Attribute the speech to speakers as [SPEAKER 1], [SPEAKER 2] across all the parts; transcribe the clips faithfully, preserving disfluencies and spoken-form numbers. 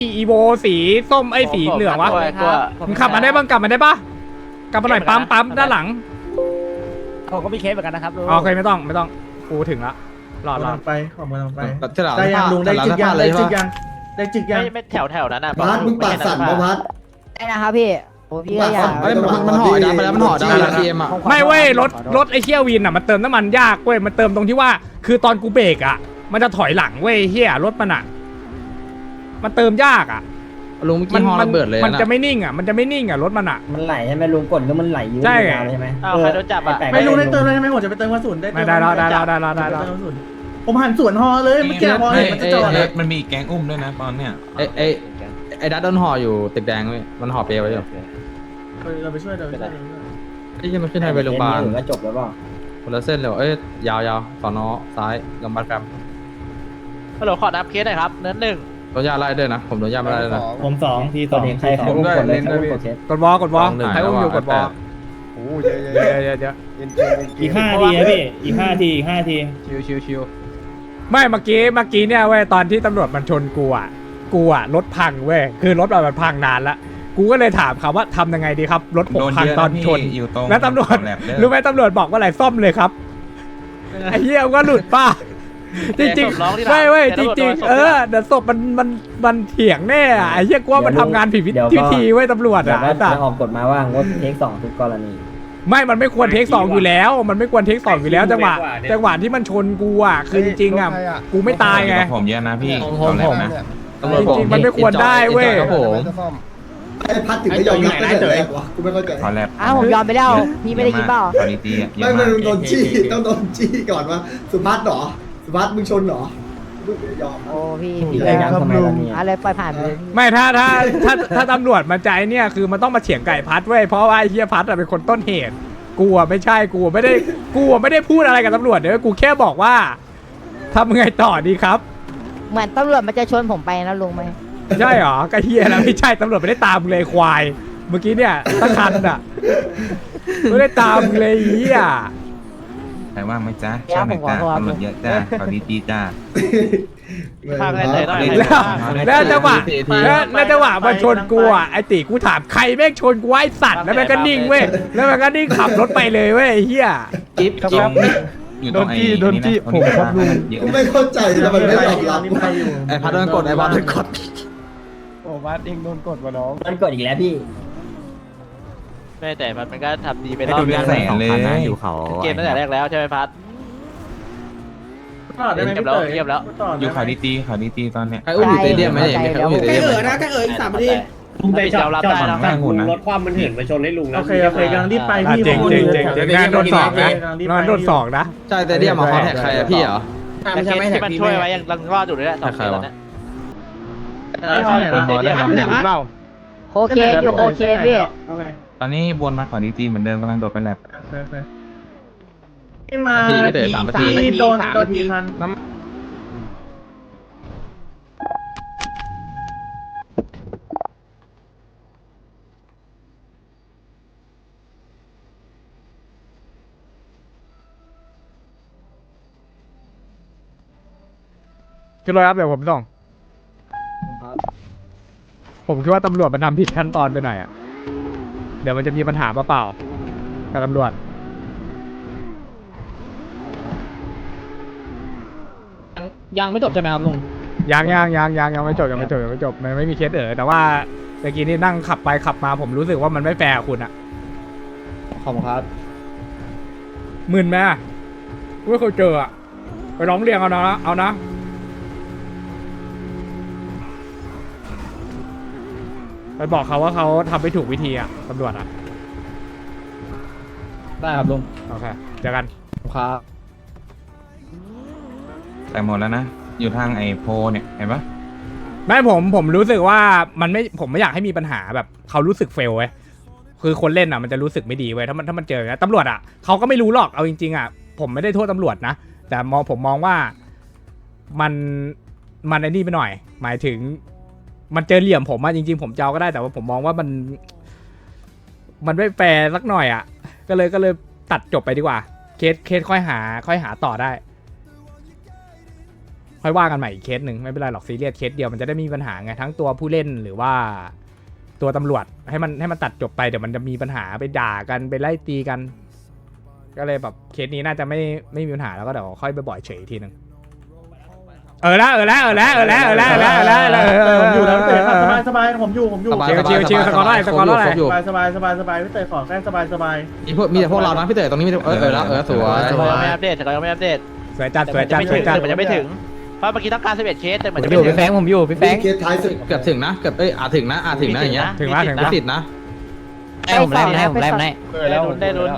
[SPEAKER 1] อีโวสีส้มไอ้สีเหลืองวะมึงขับมาได้บ้างกลับมาได้ปะกลับมาหน่อยปั๊มปั๊มด้านหลัง
[SPEAKER 2] ผมก็มีเคสเหมือนกันนะครับลุง
[SPEAKER 1] โอเคไม่ต้องไม่ต้องกูถึงละรอดรอด
[SPEAKER 3] ไปขอมือลงไป
[SPEAKER 4] จะหลับ
[SPEAKER 3] ได้ยังลุงได้จิกยังได้จิกยังได้จิกยัง
[SPEAKER 2] ไม่ไม่แถวแถวนั้นนะ
[SPEAKER 5] พัดมึงปากสั่นปะพัด
[SPEAKER 6] ได้นะครับพี่โอ้พี่ก็อยาก
[SPEAKER 4] เอ้ยมันมันห่อดำไปแล้วมันห่อดำแล้วทีเอ็มอ่ะ
[SPEAKER 1] ไม่เว้ยรถรถไอ้เชี่ยวินอ่ะมันเติมน้ำมันยากเว้ยมันเติมตรงที่ว่าคือตอนกูเบรกอ่ะมันจะถอยหลังเว้ยเฮียรถมันอ่ะมันเติมยากอ่ะ
[SPEAKER 4] ลุงเมื่อกี้ห่อระเบิดเลย
[SPEAKER 1] มันจะไม่นิ่งอ่ะมันจะไม่นิ่งอ่ะรถมันอ่ะ
[SPEAKER 7] มันไหลใช่ไหมลุงกดแล้วมันไหลยืด
[SPEAKER 1] ใช่
[SPEAKER 7] ยาวเลยใช่ไหม
[SPEAKER 2] อ้าวใครโดนจับอ่ะ
[SPEAKER 3] ไม่ลุงได้เติมเลยใช่ไหมผมจะไปเติมกระสุนได้
[SPEAKER 1] ไม่ได้แล้วได้แล้วได้แล้วได้แล้ว
[SPEAKER 3] ผมหันสวนฮอเลยเมื่อกี้พอเห็นมันจะจอด
[SPEAKER 8] มันมีแก๊งอุ้มด้วยนะตอนเนี้ย
[SPEAKER 4] ไอ้ไอ้ไอ้ดัตโดนห่ออยู่ตึกแดงเว้ยมันห่อเปลไว้อยู่
[SPEAKER 3] เราไปช่วยเราไปช่วย
[SPEAKER 4] ไอ้ยังมันขึ้นไฮเวย์โรงพยาบาล
[SPEAKER 7] ก็จบแล้วเปล่า
[SPEAKER 4] คนละเส้นเลยเอ้ยยาวยาวสอนอซ้ายโรงพยาบาลแฟม
[SPEAKER 2] ฮัลโหลขอนับเคสหน่อยครับเนื้อหนึ่ง
[SPEAKER 4] โดนยาไล่ด้วยนะผมโดนยาไม่ไล่ด้วยนะ
[SPEAKER 3] ผมสองทีส
[SPEAKER 7] ตอ
[SPEAKER 3] อน ง
[SPEAKER 7] นี้ใครใครอุ้มกดเลยใครอุ้มกดเช็ด
[SPEAKER 1] กดวอลกดวอล
[SPEAKER 4] หนึ่ง
[SPEAKER 1] ใครอุ้มอยู่กดวอล
[SPEAKER 8] โอ้เยอะเยอะ
[SPEAKER 1] เยอะเยอะเยอะ
[SPEAKER 3] อีกห้าทีนะพี่อีกห้าทีอีกห้าที
[SPEAKER 4] ชิวชิวชิว
[SPEAKER 1] ไม่เมื่อกี้เมื่อกี้เนี่ยเว้ยตอนที่ตำรวจมันชนกูอ่ะกูอ่ะรถพังเว้ยคือรถมันพังนานละกูก็เลยถามเขาว่าทำยังไงดีครับรถผมพังตอนชน
[SPEAKER 8] อยู่ตรง
[SPEAKER 1] แล้วตำรวจรู้ไหมตำรวจบอกว่าอะไรซ่อมเลยครับไอ้เหี้ยก็หลุดป้าจริงๆไม่เว้ยจริงๆเออเดี๋ยวศพมันมันมันเถียงแน่อะไอ้เหี้ยกูว่ามันทำงานผิดวิธีเว้ยตำรวจ
[SPEAKER 7] เดี๋ยว
[SPEAKER 1] อ่ะ
[SPEAKER 7] ก็จะออกกฎมาว่างดเทคสองทุกกรณี
[SPEAKER 1] ไม่มันไม่ควรเทคสองอยู่แล้ว มันไม่ควรเทคสองอยู่แล้วจังหวะจังหวะที่มันชนกูอ่ะคือจริงๆอ่ะกูไม่ตายไง
[SPEAKER 8] ผมเยอะนะพี่ตอนแรกนะ
[SPEAKER 4] ตำรวจบอก
[SPEAKER 1] จริงๆมันไม่ควรได้เว้ย
[SPEAKER 4] ครับผม
[SPEAKER 5] ไอ้พัดถึงไม่ยอมรับตั้งแต่แรกวะกูไม่เข้าใจ
[SPEAKER 8] ตอนแรก
[SPEAKER 6] อ้าวผมยอมไปแล้วพี่ไม่ได้ยินเปล่า
[SPEAKER 8] ตอนนี้ตีเย
[SPEAKER 5] ไม่
[SPEAKER 8] อะ
[SPEAKER 5] มั
[SPEAKER 8] มานก
[SPEAKER 5] โดนจี้ต้องโดนจี้ก่อนว่าสุภัสหรอสุภัสมึงชนหรอมึงไม่ยอม
[SPEAKER 6] โอ้พี่
[SPEAKER 7] ผิดอะไรยังทำไมตอนนี้
[SPEAKER 6] อะไรปล่อยผ่านไปเลยพี่
[SPEAKER 1] ไม่ถ้าถ้าถ้าถ้าตำรวจมาใจเนี่ยคือมันต้องมาเฉียงไก่พัดเว้ยเพราะว่าไอ้เฮียพัดอะเป็นคนต้นเหตุกูอะไม่ใช่กูไม่ได้กูอะไม่ได้พูดอะไรกับตำรวจเดี๋ยวกูแค่บอกว่าทำไงต่อดีครับ
[SPEAKER 6] เหมือนตำรวจมันจะชวนผมไปนะลุงไหม
[SPEAKER 1] ใช่หรอก็เฮียแล้วไม่ใช่ตำรวจไม่ได้ตามมึงเลยควาย เมื่อกี้เนี่ยตั้งคันอะไม่ได้ตามมึงเลยเฮีย
[SPEAKER 8] ใครว่างไหมจ๊ะชอบไหนจ้าตำรวจเยอะจ้าขอดีจีจ้า
[SPEAKER 2] ข้างไหนไหนได้
[SPEAKER 1] แล้วแล้วจังหวะแล้วแล้วจังหวะมันชนกูอ่ะไอติกูถามใครแม่งชนกูไอสัตว์แล้วมันก็นิ่งเว้ยแล้วมันก็นิ่งขับรถไปเลยเว้ยไอ้เฮีย
[SPEAKER 4] จิ๊บ
[SPEAKER 8] ตร
[SPEAKER 4] จิ๊บ
[SPEAKER 8] งอยู่ตรงไอ้โดนจี้ผมครับลุงเยอะ
[SPEAKER 5] กูไม่เข้าใจทำไมไม่ยอมรับ
[SPEAKER 4] ไอ้พัดโดนกดไอ้พัดโดนกด
[SPEAKER 2] โอ้วัดเองโดนกดวะน้อง
[SPEAKER 7] มันกดอีกแล้วพี่
[SPEAKER 2] ไม่แต่มันมันก็ทำดีไป
[SPEAKER 8] ไม่
[SPEAKER 2] รอบ
[SPEAKER 8] ดูเรื่องแสนเลย
[SPEAKER 2] อยู่เขาเกมตั้งแต่แรกแล้วใช่ไหมพัด
[SPEAKER 3] ต่อได้ไหม
[SPEAKER 2] เงียบ
[SPEAKER 3] พี่
[SPEAKER 2] แล้ว
[SPEAKER 3] เต๋อ
[SPEAKER 2] เงียบแล้ว
[SPEAKER 8] อยู่เขาดีตีเขาดีตีตอนเนี้ย
[SPEAKER 4] ใครอุ้มอยู่เตเดียมไหมเนี่ยมีใครอุ้มอยู่เตเดียมไหม
[SPEAKER 2] อีกสามนาทีลุงไปจอดรับได้นะ
[SPEAKER 8] แม่งหุ่นนะ
[SPEAKER 2] รถความมันเหินไปชนให้ลุงนะ
[SPEAKER 3] โอเคโอเคกำลังรีบไป
[SPEAKER 1] อ่ะ
[SPEAKER 3] พี่
[SPEAKER 1] เจ๋งเจ๋งเจ๋งเจ๋งงานโดนสองนะงานโดนสองนะ
[SPEAKER 4] ใช่เตเดียมมาคอแท็กใครอะพี่เหรอ
[SPEAKER 2] แต่เคสที่มันช่วยไว้ยังรังรอดอยู่เลยแหละสองเคสแล้วเนี่ย
[SPEAKER 6] โอเคอยู่โอเคพี่
[SPEAKER 8] ตอนนี้วนมาขอดีจีเหมือนเดิมกำลังโดดไปแลบ
[SPEAKER 3] ที่มาที่โดนโดนทีพัน
[SPEAKER 1] คือรอยครับเดี๋ยวผมส่งผมคิดว่าตำรวจมันทำผิดขั้นตอนไปหน่อยอ่ะเดี๋ยวมันจะมีปัญหาเปล่าๆกับตำรวจ
[SPEAKER 2] ยังไม่จบใช่ไหมครับลุง
[SPEAKER 1] ยังยังยังยังยังไม่จบยังไม่จบยังไม่จบมันไม่มีเคสเออแต่ว่าเมื่อกี้นี่นั่งขับไปขับมาผมรู้สึกว่ามันไม่แฟร์กับคุณอะ
[SPEAKER 2] ขอบคุณครับ
[SPEAKER 1] หมื่นไหมไม่เคยเจออะไปร้องเรียนเอานะเอานะไปบอกเขาว่าเขาทำไม่ถูกวิธีอะตำรวจอะ
[SPEAKER 2] ได้ครับลุง
[SPEAKER 1] โอเคเจอกัน
[SPEAKER 2] ครับ
[SPEAKER 8] แต่หมดแล้วนะอยู่ทางไอ้โพเนี่ยเห็นปะ
[SPEAKER 1] ไม่ผมผมรู้สึกว่ามันไม่ผมไม่อยากให้มีปัญหาแบบเขารู้สึกเฟลเว้ยคือคนเล่นอ่ะมันจะรู้สึกไม่ดีเว้ยถ้ามันถ้ามันเจออย่างนี้ตำรวจอ่ะเขาก็ไม่รู้หรอกเอาจริงๆอ่ะผมไม่ได้โทษตำรวจนะแต่มองผมมองว่ามันมันไอ้นี่ไปหน่อย หมายถึงมันเจอเหลี่ยมผมอ่ะจริงๆผมเจ้าก็ได้แต่ว่าผมมองว่ามัน มันไม่แฟร์สักหน่อยอ่ะก็เลยก็เลยตัดจบไปดีกว่าเคสเคสค่อยหา ค่อยหาต่อได้ค่อยว่ากันใหม่อีกเคสหนึ่งไม่เป็นไรหรอกซีเรียสเคสเดียวมันจะได้ไมมีปัญหาไงทั้งตัวผู้เล่นหรือว่าตัวตำรวจให้มันให้มันตัดจบไปเดี๋ยวมันจะมีปัญหาไปด่ากันไปไล่ตีกัน ก็เลยแบบเคสนี้น่าจะไม่ไม่มีปัญหาแล้วก็เดี๋ยวค่อยไปบ่อยเฉยอีกทีหนึ่งเออละเออละเออละเออละเออละเออละเออละเออละ
[SPEAKER 3] ผมอยู่แล้วพี่เต๋อสบายสบายผมอยู่ผมอยู่
[SPEAKER 4] สบาย
[SPEAKER 1] ชิวชิวชิวสกอร์เท่าไหร่สกอร์เท่าไหร่
[SPEAKER 4] คบอยู่
[SPEAKER 3] สบายสบายสบายสบายพี่เต๋อขอแค่สบายสบาย
[SPEAKER 4] มีพวกมีแต่พวกเรานะพี่เต๋อตรงนี้มีแต่เออเออแล้วเออสวย
[SPEAKER 2] แต่เรายังไม่อัปเดตแต่เรายังไม่อัปเดต
[SPEAKER 1] สวยจัดสวย
[SPEAKER 2] แต่
[SPEAKER 1] จัด
[SPEAKER 2] มัน
[SPEAKER 1] สวยจัด
[SPEAKER 2] ยังไม่ถึงเพราะเมื่อกี้ต้องการสิบเอ็ดเคสแต่เหมือน
[SPEAKER 6] ผม
[SPEAKER 2] จะ
[SPEAKER 6] อ
[SPEAKER 2] ไม่
[SPEAKER 6] ยู่
[SPEAKER 2] ถึ
[SPEAKER 6] พี่
[SPEAKER 2] ง
[SPEAKER 6] แฟงผมอยู่พี่แฟง
[SPEAKER 5] เคสท้ายสุด
[SPEAKER 4] เกือบถึงนะเกือบเอ้ยอาจถึงนะอาจถึงนะอย่างเงี้ย
[SPEAKER 1] ถึงว่าถึง
[SPEAKER 4] ไม่
[SPEAKER 1] ว่า
[SPEAKER 4] ติดนะ
[SPEAKER 6] ให้ผมไล่ให้ผมไล่ให้
[SPEAKER 2] ได้ลุ้นได้ลุ้น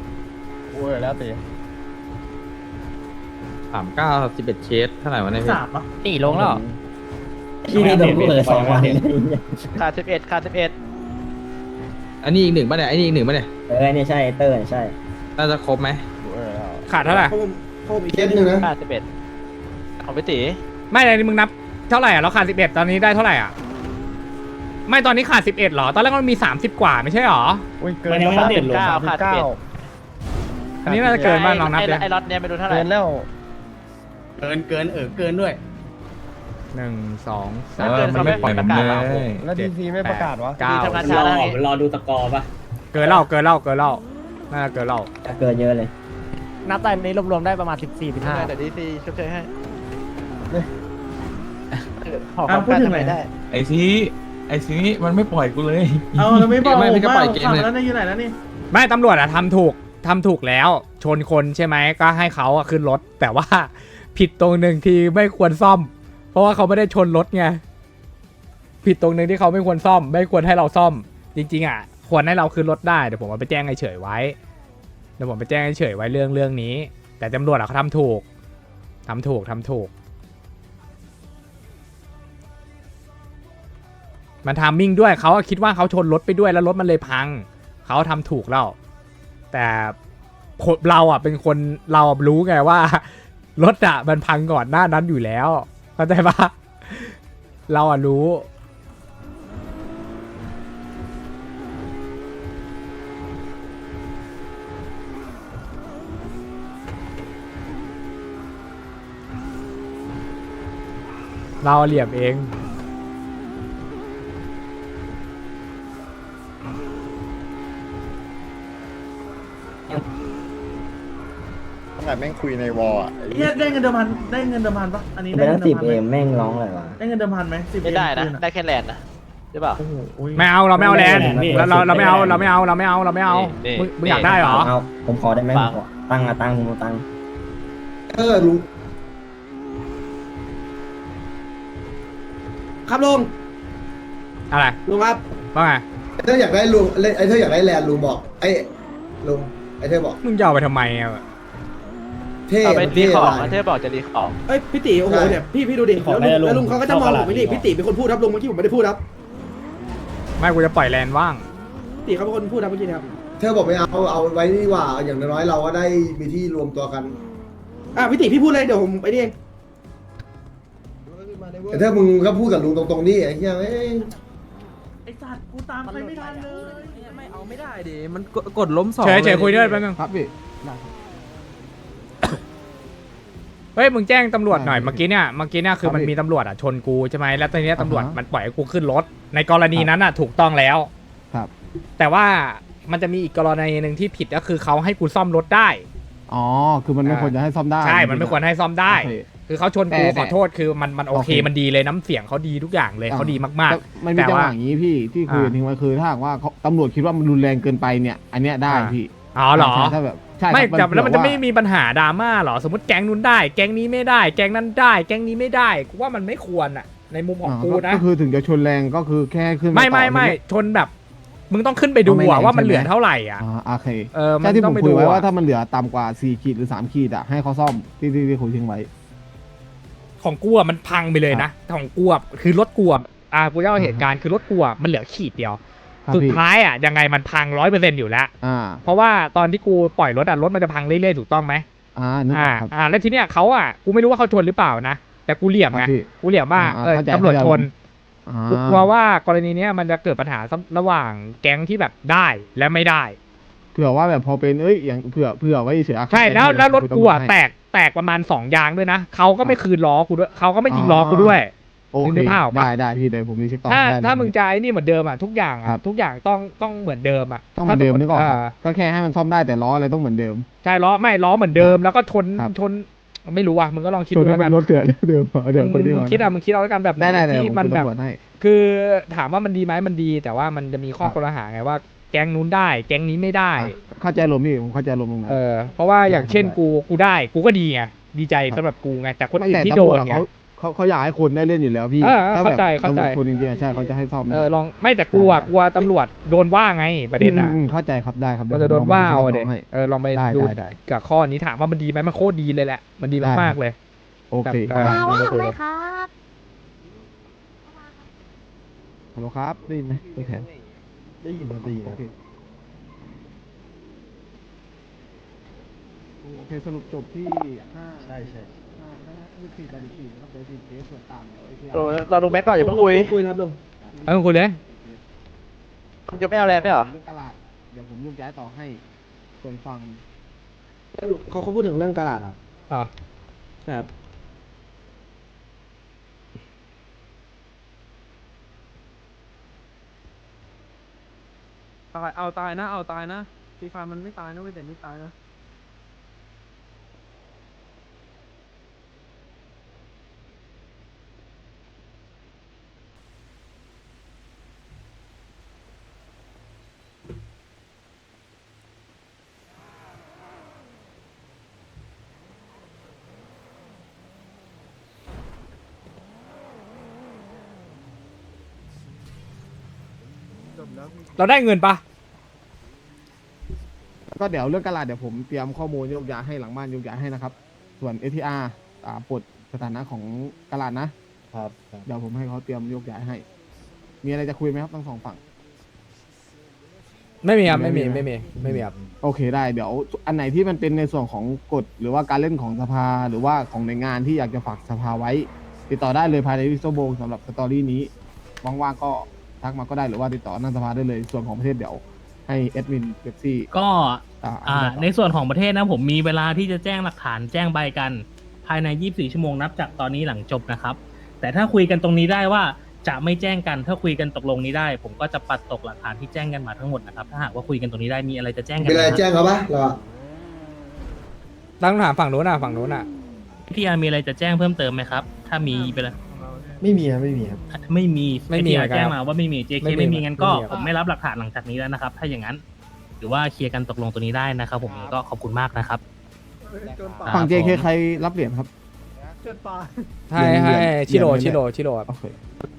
[SPEAKER 4] สามเก้าสิบเอ็ดเคสเท่าไหร่วะเนี่ยพี่
[SPEAKER 3] สามอ่ะ
[SPEAKER 6] นี่ลงแล้ว
[SPEAKER 7] ที่นี่โดนเปิดสองวัน
[SPEAKER 2] ขาดสิบเอ็ดขาดสิบเอ็ด
[SPEAKER 4] อันนี้อีกหนึ่งป่ะเนี่ยอันนี้อีกหนึ่งป่ะเนี่ย
[SPEAKER 7] เออเนี่ยใช่เตอร์ใช่
[SPEAKER 4] น่าจะครบไหม
[SPEAKER 1] ขาดเท่าไหร่
[SPEAKER 5] เคสหนึ่งนะ
[SPEAKER 2] ขาดสิบเอ็ดของพี่ตี
[SPEAKER 1] ไม่เลยมึงนับเท่าไหร่อ่ะเราขาดสิบเอ็ดตอนนี้ได้เท่าไหร่อ่ะไม่ตอนนี้ขาดสิบเอ็ดหรอตอนแรกมันมีสามสิบกว่าไม่ใช่หรอ
[SPEAKER 3] มันยังไม่อัปเดตลง
[SPEAKER 2] เก้าขาดสิบเอ็ด
[SPEAKER 1] อันนี้น่าจะเกินบ้านลองนับ
[SPEAKER 2] ไอ้
[SPEAKER 1] เลย
[SPEAKER 2] ไอ้ล็อตเนี่ยไม่รู้เท่าไหร่
[SPEAKER 3] เกินเกินเออเกินด้วย
[SPEAKER 1] หนึ่งสอง
[SPEAKER 8] เออมันไม่ปล่อยมันเลย
[SPEAKER 1] แล้วดีซีไม่ประกาศวะเก้า
[SPEAKER 2] ทำงานช้าแล้วไง
[SPEAKER 3] รอดูสกอร์ป่ะ
[SPEAKER 1] เกินเล่าเกินเล่าเกินเล่าน่าจะเกินเล่า
[SPEAKER 7] เกินเยอะเลย
[SPEAKER 6] นับตอนนี้รวมๆได้ประมาณสิบสี่สิบห้า
[SPEAKER 2] แต่ดีซีชดเชยให้
[SPEAKER 3] อ่ะพูดถึงไหนได้
[SPEAKER 8] ไอ้ซีไอ้ซีมันไม่ปล่อยกูเลย
[SPEAKER 3] เอาเราไม่บอก
[SPEAKER 4] ไม่ไม่ก็ปล่อย
[SPEAKER 3] ผม
[SPEAKER 4] เกม
[SPEAKER 3] ฟัง
[SPEAKER 4] เลย
[SPEAKER 3] แล้วนี่อยู่ไหนแล้วนี่
[SPEAKER 1] ไม่ตำรวจอะทำถูกทำถูกแล้ว ชนคนใช่ไหมก็ให้เขาอะขึ้นรถ แต่ว่าผิดตรงหนึ่งที่ไม่ควรซ่อม เพราะว่าเขาไม่ได้ชนรถไงผิดตรงหนึ่งที่เขาไม่ควรซ่อม ไม่ควรให้เราซ่อม จริงๆอะควรให้เราขึ้นรถได้เดี๋ยวผมเอาไปแจ้งเฉยๆไว้เดี๋ยวผมไปแจ้งเฉยๆไว้เรื่องเรื่องนี้ แต่ตำรวจอะเขาทำถูกทำถูกทำถูกมันทามมิ่งด้วยเขาคิดว่าเขาชนรถไปด้วยแล้วรถมันเลยพังเขาทำถูกแล้วแต่เราอ่ะเป็นคนเรารู้ไงว่ารถอ่ะมันพังก่อนหน้านั้นอยู่แล้วเข้าใจปะเราอ่ะรู้เราเหลี่ยมเอง
[SPEAKER 9] แม่งคุยในวอลอ่ะ
[SPEAKER 3] เฮียได้เงินเดิมพันได้เงินเดิมพันปะอันนี้
[SPEAKER 7] ไป
[SPEAKER 3] ได้
[SPEAKER 7] ตั้
[SPEAKER 3] เงิ
[SPEAKER 7] ง
[SPEAKER 3] น
[SPEAKER 7] สิ
[SPEAKER 3] เดิ
[SPEAKER 7] บ
[SPEAKER 3] มพัน
[SPEAKER 7] เอ
[SPEAKER 3] ไหม
[SPEAKER 7] มแม่งร้องอะไรวะ
[SPEAKER 3] ได้เงินเดิมพันไหมสิบ
[SPEAKER 2] ไม่ได้นะได้แค่แลนด์นะใช่เปล่า
[SPEAKER 3] โอ้โหโอ้ย
[SPEAKER 1] ไม่เอาเราไม่เอาแลนด์เราเราเราไม่เอาเราไม่เอาเราไม่เอาเราไม่เอา
[SPEAKER 2] นี่
[SPEAKER 1] มึงมึงอยากได้เหรอ
[SPEAKER 7] เอาผมขอได้ไหม
[SPEAKER 2] ฟัง
[SPEAKER 7] ผมขอตั้งอะตั้งผมตั้ง
[SPEAKER 5] เออลุง
[SPEAKER 3] ครับลุง
[SPEAKER 1] อะไร
[SPEAKER 3] ลุงครับ
[SPEAKER 1] ว่าไง
[SPEAKER 5] ถ้าอยากได้ลุงไอ้เธออยากได้แลนด์ลุงบอกไอ้ลุงไอ้เธอบอก
[SPEAKER 1] มึงจะเอาไปทำไมอ่ะ
[SPEAKER 5] เท่
[SPEAKER 2] เอาไปรี
[SPEAKER 5] เท่
[SPEAKER 2] ของ
[SPEAKER 5] อะไร
[SPEAKER 2] เธอบอกจะรีของ
[SPEAKER 10] เอ้ยพี่ตีโอ้โหเนี่ยพี่พี่ดูดิแล้วลุงแล้วลุงเขาก็จะมองผมไม่ดิพี่ตีเป็นคนพูดครับลุงเมื่อกี้ผมไม่ได้พูดครับ
[SPEAKER 1] ไม่กูจะปล่อยแลนด์ว่าง
[SPEAKER 10] พี่ตีเขาเป็นคนพูดครับเมื่อกี้นะครับ
[SPEAKER 5] เธอบอกไม่เอาเอาไว้ดีกว่าอย่างน้อยๆเราก็ได้มีที่รวมตัวกัน
[SPEAKER 10] อ่ะพี่ตีพี่พูดเลยเดี๋ยวผมไปนี่เอง
[SPEAKER 5] แต่ถ้ามึงก็พูดกับลุงตรงๆนี่ไอ้เหี้ยเอ้ย
[SPEAKER 3] ไอ้สัตว์กูตามใครไม่ทันเลย
[SPEAKER 4] ไม่เอาไม่ได้ดิมันกดล้มสอง
[SPEAKER 1] เฉยเฉยคุยด้วยแป๊บนึง
[SPEAKER 9] ครับพี่
[SPEAKER 1] เฮ้ยมึงแจ้งตำรวจหน่อยเมื่อกี้เนี่ยเมื่อกี้เนี่ยคือ
[SPEAKER 9] ครับ
[SPEAKER 1] มัน
[SPEAKER 9] พี่
[SPEAKER 1] มีตำรวจอ่ะชนกูใช่ไหมแล้วตอนนี้ตำรวจ
[SPEAKER 9] อ่าฮะ
[SPEAKER 1] มันปล่อยให้กูขึ้นรถ ในกรณีนั้นอ่ะถูกต้องแล้ว
[SPEAKER 9] ครับ
[SPEAKER 1] แต่ว่ามันจะมีอีกกรณีหนึ่งที่ผิดก็คือเขาให้กูซ่อมรถได้
[SPEAKER 9] อ๋อ คือมันไม่
[SPEAKER 1] อ่า
[SPEAKER 9] ควรจะให้ซ่อมได้
[SPEAKER 1] ใช่มันไม่ควรให้ซ่อมได้
[SPEAKER 9] โอเค
[SPEAKER 1] คือเขาชนกู
[SPEAKER 9] แต่
[SPEAKER 1] ขอโทษคือมันมันโอเค
[SPEAKER 9] โอเค
[SPEAKER 1] มันดีเลยน้ำเสียงเขาดีทุกอย่างเลย
[SPEAKER 9] อ่า
[SPEAKER 1] เขาดีมาก
[SPEAKER 9] แต่มันมี
[SPEAKER 1] แต่
[SPEAKER 9] จังห
[SPEAKER 1] ว่า
[SPEAKER 9] วะอย่างนี้พี่ที่คุยกัน
[SPEAKER 1] อ่า
[SPEAKER 9] ทิ้งไว้คือถ้าหากว่าเขาตำรวจคิดว่ามันรุนแรงเกินไปเนี่ย อันเนี้ยได้
[SPEAKER 1] อ่า
[SPEAKER 9] พี่
[SPEAKER 1] ๆอ๋อเหรอ
[SPEAKER 9] ใช่ถ้าแบบใช่
[SPEAKER 1] ไม่
[SPEAKER 9] ครับ
[SPEAKER 1] แต่แล้วมันจะไม่
[SPEAKER 9] เผื่อ
[SPEAKER 1] มีปัญหาดราม่าเหรอสมมติแก๊งนู้นได้ แก๊งนี้ไม่ได้ แก๊งนั้นได้ แก๊งนี้ไม่ได้กูว่ามันไม่ควรอ่ะ ในมุมของ
[SPEAKER 9] อ่า
[SPEAKER 1] กู
[SPEAKER 9] ก็
[SPEAKER 1] นะ
[SPEAKER 9] ก็คือถึงจะชนแรงก็คือแค่ขึ้น
[SPEAKER 1] ไม่ไม่
[SPEAKER 9] ต่อ
[SPEAKER 1] ไม่ชนแบบ มึงต้องขึ้นไปดู
[SPEAKER 9] เอาไม่
[SPEAKER 1] อะ
[SPEAKER 9] แรง
[SPEAKER 1] ว่ามัน
[SPEAKER 9] ใช่ไหม
[SPEAKER 1] เหลือเท่าไหร่อ่ะ
[SPEAKER 9] อ่าโอเค
[SPEAKER 1] เออมัน
[SPEAKER 9] ใช่ที่
[SPEAKER 1] ต้
[SPEAKER 9] ผ
[SPEAKER 1] อง
[SPEAKER 9] ม
[SPEAKER 1] ไป
[SPEAKER 9] คุ
[SPEAKER 1] ดู
[SPEAKER 9] ยไว้ว่า
[SPEAKER 1] อะ
[SPEAKER 9] ถ้ามันเหลือต่ำกว่าสี่ขีดหรือสามขีดอ่ะให้เขาซ่อมที่ที่ที่คุยทิ้งไว้
[SPEAKER 1] ของกูอะมันพังไปเลยนะของกูอะคือรถกูอะอ่ากูเล่าเหตุการณ์คือรถกูอะมันเหลือขีดเดียว
[SPEAKER 9] ครับ
[SPEAKER 1] สุด
[SPEAKER 9] พี่
[SPEAKER 1] ท้ายอ่ะยังไงมันพังร้อยเปอร์เซ็นต์อยู่แล้ว
[SPEAKER 9] อ่า
[SPEAKER 1] เพราะว่าตอนที่กูปล่อยรถอ่ะรถมันจะพังเรื่อยๆถูกต้องไหม
[SPEAKER 9] อ่านึกอ
[SPEAKER 1] อ่า
[SPEAKER 9] อกครับ
[SPEAKER 1] อ่าแล้วทีเนี้ยเขาอ่ะกูไม่รู้ว่าเขาชนหรือเปล่านะแต่กูเหลี่ยมไง
[SPEAKER 9] ครับพี่
[SPEAKER 1] กูเหลี่ยมว่า
[SPEAKER 9] อ่า
[SPEAKER 1] เออ
[SPEAKER 9] เข้าใจ
[SPEAKER 1] ตำรวจ
[SPEAKER 9] เข้าใจ
[SPEAKER 1] ชน
[SPEAKER 9] อ่า
[SPEAKER 1] กูกลัวว่ากรณีเนี้ยมันจะเกิดปัญหาระหว่างแก๊งที่แบบได้และไม่ได้
[SPEAKER 9] เผื่อว่าแบบพอเป็นเอ้ยอย่างเผื่อเผื่อไว้เฉยๆ
[SPEAKER 1] ใช่แล้วแล้วรถกูอ่ะแตกแตแตกประมาณสองยางด้วยนะเขาก็ไม่คืนล้อกูด้วยเขาก็ไม่ยิงล้อกูด้วย
[SPEAKER 9] โอ
[SPEAKER 1] มึง
[SPEAKER 9] เค
[SPEAKER 1] นึกภาพออกปะ
[SPEAKER 9] ได้ได้พี่เดี๋ยวผมรีเช็คต่อ
[SPEAKER 1] ถ้า
[SPEAKER 9] ได้เลย
[SPEAKER 1] ถ้ามึงจะไอ้นี่เหมือนเดิมอ่ะทุกอย่าง
[SPEAKER 9] ครั
[SPEAKER 1] อ่ะ
[SPEAKER 9] บ
[SPEAKER 1] ทุกอย่างต้องต้องเหมือนเดิมอ่ะ
[SPEAKER 9] ต้องเหมือนเดิมนึกออก
[SPEAKER 1] า
[SPEAKER 9] ครับก็แค่ให้มันซ่อมได้แต่ล้ออะไรต้องเหมือนเดิม
[SPEAKER 1] ใช่ล้อไม่ล้อเหมือนเดิมแล้วก็ชน
[SPEAKER 9] ครับ
[SPEAKER 1] ชนไม่รู้ว่ะมึงก็ลองคิด
[SPEAKER 9] ส่วน
[SPEAKER 1] ดู
[SPEAKER 9] นั้
[SPEAKER 1] แล้วกัน
[SPEAKER 9] นรถเถื่อนเดิมเดิมคน
[SPEAKER 1] มึ
[SPEAKER 9] ที่
[SPEAKER 1] ง
[SPEAKER 9] ก่อน
[SPEAKER 1] คิดอ่ะมึงคิดเอาแล้วกันแบบ
[SPEAKER 9] ได้ได้ได้
[SPEAKER 1] ที่
[SPEAKER 9] ผม
[SPEAKER 1] มัน
[SPEAKER 9] คุย
[SPEAKER 1] แบบ
[SPEAKER 9] ตำรวจให้
[SPEAKER 1] คือถามว่ามันดีไหมมันดี แต่ว่ามันจะมีข้อ
[SPEAKER 9] ครับ
[SPEAKER 1] คอรหาไงว่า แก๊งนู้นได้ แก๊งนี้ไม่ได้
[SPEAKER 9] เข้าใจลมณ์นี่ผมเข้าใจลมณ์ตรงนั้น
[SPEAKER 1] เออเพราะว่าอย่างเช่น
[SPEAKER 9] ได้
[SPEAKER 1] กูกูได้กูก็ดีไงดีใจ
[SPEAKER 9] ครับ
[SPEAKER 1] สำหรับกูไงแต่คน
[SPEAKER 9] ไม่
[SPEAKER 1] อื่น
[SPEAKER 9] แต่
[SPEAKER 1] ที่
[SPEAKER 9] ตำ
[SPEAKER 1] โด
[SPEAKER 9] รวจ
[SPEAKER 1] น
[SPEAKER 9] อะ
[SPEAKER 1] ไง
[SPEAKER 9] เขาเขาเขาอยากให้คนได้เล่นอยู่แล้วพี่
[SPEAKER 1] เออ
[SPEAKER 9] ถ้า
[SPEAKER 1] เข้า
[SPEAKER 9] แบบ
[SPEAKER 1] ใจเข้าใจ
[SPEAKER 9] ตำรวจคนจริงๆอะใช่เขาจะให้ซ่อม
[SPEAKER 1] เออลองไม่แต่กูอ่ะกลัวตำรวจโดนว่าไงประเด็นอ่ะ
[SPEAKER 9] อืมเข้าใจครับได้ครับ
[SPEAKER 1] มันจะโดนว่าเอาอะเด็
[SPEAKER 9] ให้
[SPEAKER 1] เออลองไป
[SPEAKER 9] ได้
[SPEAKER 1] ดู
[SPEAKER 9] ได้ได้
[SPEAKER 1] กับข้อนี้ถามว่ามันดีไหมมันโคตรดีเลยแหละ มันดี
[SPEAKER 9] ได้
[SPEAKER 1] มากๆเลย
[SPEAKER 9] โอเค
[SPEAKER 1] แบบ
[SPEAKER 9] ครับ
[SPEAKER 1] เออ
[SPEAKER 11] ไหมครับ
[SPEAKER 9] ฮัลโหลครับได้ยินไหมตัวแทนได้ยินได้ยินโอเคโอเคสรุปจบที่ห้าใช่ใช่ห้าห้ายี่สิบสี่ต่อสี่นะครับเดี๋ยวสี่เคสส่วนต่างเดี๋ยวไอ้ที่
[SPEAKER 2] เราเราดูแม็กก่อนอย่าเพิ่งคุย
[SPEAKER 10] คุยนะครับลุง
[SPEAKER 1] เออคุณเลย
[SPEAKER 2] คุณจะไม่เอาแรงไม่เหรอ
[SPEAKER 9] เรื่องตลาดเดี๋ยวผมยกย้ายต่อให้ส่วนฟัง
[SPEAKER 10] เขาเขาพูดถึงเรื่องตลาดอ่ะ
[SPEAKER 1] อ่า
[SPEAKER 10] ครับ
[SPEAKER 4] ตายเอาตายนะเอาตายนะฟรีไฟมันไม่ตายนะเว้ยแต่ไม่ตายนะ
[SPEAKER 1] เราได้เงินปะ
[SPEAKER 9] ก็เดี๋ยวเรื่องตลาดเดี๋ยวผมเตรียมข้อมูลยกย้ายให้หลังบ้านยกย้ายให้นะครับ ส่วน เอ ที อาร์ อ่าปลดสถานะของตลาดนะครับ เดี๋ยวผมให้เขาเตรียมยกย้ายให้ มีอะไรจะคุยไหมครับทั้งสองฝั่ง
[SPEAKER 1] ไม่มีครับไม่มี
[SPEAKER 9] ไม่
[SPEAKER 1] ไม่
[SPEAKER 9] มี
[SPEAKER 1] มีไม่มีครับ
[SPEAKER 9] โอเคได้เดี๋ยวอันไหนที่มันเป็นในส่วนของกฎหรือว่าการเล่นของสภาหรือว่าของหน่วยงานที่อยากจะฝากสภาไว้ ติดต่อได้เลยภายในวิสโซโบสำหรับสตอรี่นี้ว่างๆก็ทักมาก็ได้หรือว่าติดต่อหนั่นสภาได้เลยส่วนของประเทศเดี๋ยวให้แอดมินเบปซี่
[SPEAKER 12] ก็
[SPEAKER 9] อ่า
[SPEAKER 12] อ่า
[SPEAKER 9] อธิบายต่อ
[SPEAKER 12] ในส่วนของประเทศนะผมมีเวลาที่จะแจ้งหลักฐานแจ้งใบกัน ภายใน ยี่สิบสี่ ชั่วโมงนับจากตอนนี้หลังจบนะครับ แต่ถ้าคุยกันตรงนี้ได้ว่าจะไม่แจ้งกันถ้าคุยกันตกลงนี้ได้ ผมก็จะปัดตกหลักฐานที่แจ้งกันมาทั้งหมดนะครับถ้าหากว่าคุยกันตรงนี้ได้มีอะไรจะแจ้งกัน
[SPEAKER 5] มีอะไร
[SPEAKER 12] ไหมครับ
[SPEAKER 5] แจ้งเขาปะเราอะ
[SPEAKER 1] ตั้งคำถามฝั่งนู้นอ่ะฝั่งนู้นอ่ะ
[SPEAKER 12] พี่อาร์มีอะไรจะแจ้งเพิ่มเติมไหมครับ ถ้ามีไปเลย
[SPEAKER 7] ไม่มีครับไม่มีครับ
[SPEAKER 12] ไม่มี
[SPEAKER 1] ไม่มี
[SPEAKER 12] พี่
[SPEAKER 1] เหมื
[SPEAKER 12] อา
[SPEAKER 1] อนกัน
[SPEAKER 12] ร์แจ้งมาว่าไม่มี เจ เค
[SPEAKER 1] ไม่มี
[SPEAKER 12] ไม่มีงั้นก็
[SPEAKER 1] ไม่มีครับ
[SPEAKER 12] ผมไม่รับหลักฐานหลังจากนี้แล้วนะครับ ถ้าอย่างนั้นหรือว่าเคลียร์กันตกลงตัวนี้ได้นะครับผมก็ขอบคุณมากนะครับ
[SPEAKER 9] ฝั่ง เจ เค
[SPEAKER 12] ผม
[SPEAKER 9] ใครรับเหรียญครับ
[SPEAKER 1] ให้ให้
[SPEAKER 9] เหรียญ
[SPEAKER 1] ชิโร่
[SPEAKER 9] เหรียญ
[SPEAKER 1] ชิโร่ชิโร่ครับ
[SPEAKER 9] โอเค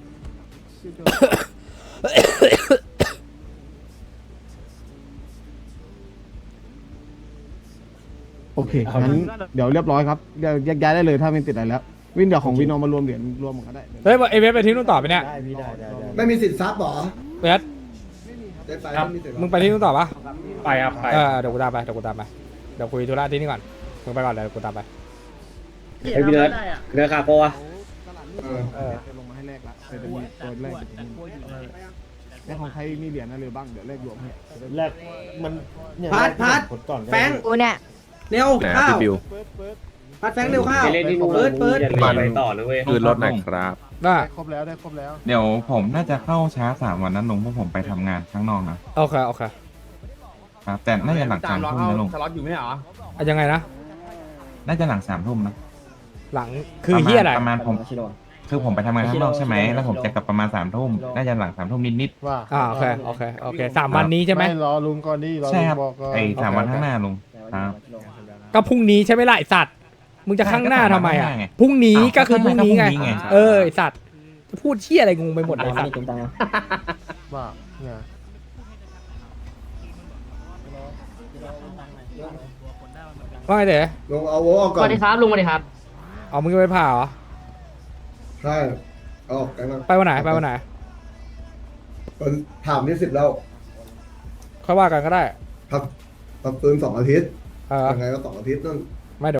[SPEAKER 9] โอเคงั้นเดี๋ยวเรียบร้อยครับเดี๋ยวแยกย้ายได้เลยถ้าไม่ติดอะไรแล้ว วินเดี๋ยวของวินเอามารวมเหรียญรวมกันก็ได้
[SPEAKER 1] เฮ้ยเอเวฟไปที่นู่นต่อไปเนี่ย
[SPEAKER 7] ได้พี่ได้ได้ได้
[SPEAKER 5] ไม่มีสิทธิ์ซับหรอ
[SPEAKER 1] เวฟ
[SPEAKER 5] ได้ไปไม่มีสิทธิ์
[SPEAKER 1] มึงไปที่นู่นต่อปะ
[SPEAKER 4] ไปครับไป
[SPEAKER 1] เออเดี๋ยวกูตามไปเดี๋ยวกูตามไปเดี๋ยวคุยธุระที่นี่ก่อนมึงไปก่อนเดี๋ยวกูตามไป
[SPEAKER 7] เฮ้ยพี่เนิร์ดเนิร์ดคาโปะ
[SPEAKER 5] เออ
[SPEAKER 1] เออ
[SPEAKER 9] จะลงมาให้แลกละเดี๋ยวจะมีตัวแรกเดี๋ยวจะมีแล้วของใครมีเหรียญอะไรบ้างเดี๋ยวแลกรวมให้
[SPEAKER 7] แรกมัน
[SPEAKER 10] พาร์ทพาร์ทแฟง
[SPEAKER 11] กูเนี่ย
[SPEAKER 10] เร็วข้าวพาร์ทแฟงเร็วข้าวเปิดเปิด
[SPEAKER 8] ไปต่อเลยเว้ยคือรถหน่อยครับ
[SPEAKER 1] ได้
[SPEAKER 9] ได้ครบแล้วได้ครบแล้ว
[SPEAKER 8] เดี๋ยวผมน่าจะเข้าช้าสามวันนั้นลุงเพราะผมไปทำงานข้างนอกนะ
[SPEAKER 1] โอเคโอเค
[SPEAKER 8] ครับแต่น่าจะหลังสามทุ่มนะลุง
[SPEAKER 4] สล็อตอยู่ไม่เหรอ
[SPEAKER 1] อ่ะยังไงนะ
[SPEAKER 8] น่าจะหลังสามทุ่มนะ
[SPEAKER 1] หลังคือเฮียอะไร
[SPEAKER 8] ประมาณผม
[SPEAKER 7] ชิโร่
[SPEAKER 8] คือผมไปทำงานข้างนอกใช่ไหมแล้วผมจะกลับประมาณสามทุ่มน่าจะหลังสามทุ่มนิด
[SPEAKER 9] ว่า
[SPEAKER 1] อ่าโอเคโอเคโอเคสามวันนี้ใช่ไหม
[SPEAKER 9] รอลุงก่อนดิรอ
[SPEAKER 8] ๆใช่
[SPEAKER 9] ลุง
[SPEAKER 8] ครับ
[SPEAKER 9] บอกก่อน
[SPEAKER 8] ไอ้สามวันข้างหน้าลุงครับ
[SPEAKER 1] ก็พรุ่งนี้ใช่ไหมล่ะไอสัตว์มึงจะข้างหน้าทำไมอ่ะ
[SPEAKER 8] ข้างหน้าไง
[SPEAKER 1] พรุ่งนี้ก็คือพรุ่งนี้ไง
[SPEAKER 8] ข้างหน้าก็พรุ่งนี้ไง
[SPEAKER 1] เออไอสัตว์จะพูดเชี่ยอะไรงงไปหมดเลยสัตว์
[SPEAKER 7] ตุ้มตัง
[SPEAKER 9] ว่าเนี่ย
[SPEAKER 1] ว่าไงเต๋อ
[SPEAKER 5] ลงเอาโว้ออกก่อน
[SPEAKER 11] สวัสดีครับลุงสวัสดีครับ
[SPEAKER 1] เอามึงจะไปผ่าเหรอ
[SPEAKER 5] ใช่เอาออกกันมา
[SPEAKER 1] ไปวันไหนไปวันไหน
[SPEAKER 5] คนถามนี่สิบแล้ว
[SPEAKER 1] ค่อยว่ากันก็ได้
[SPEAKER 5] พักพักฟื้นสองอาทิตย์
[SPEAKER 1] เออ
[SPEAKER 5] ยังไงก็สองอาทิตย์นั่น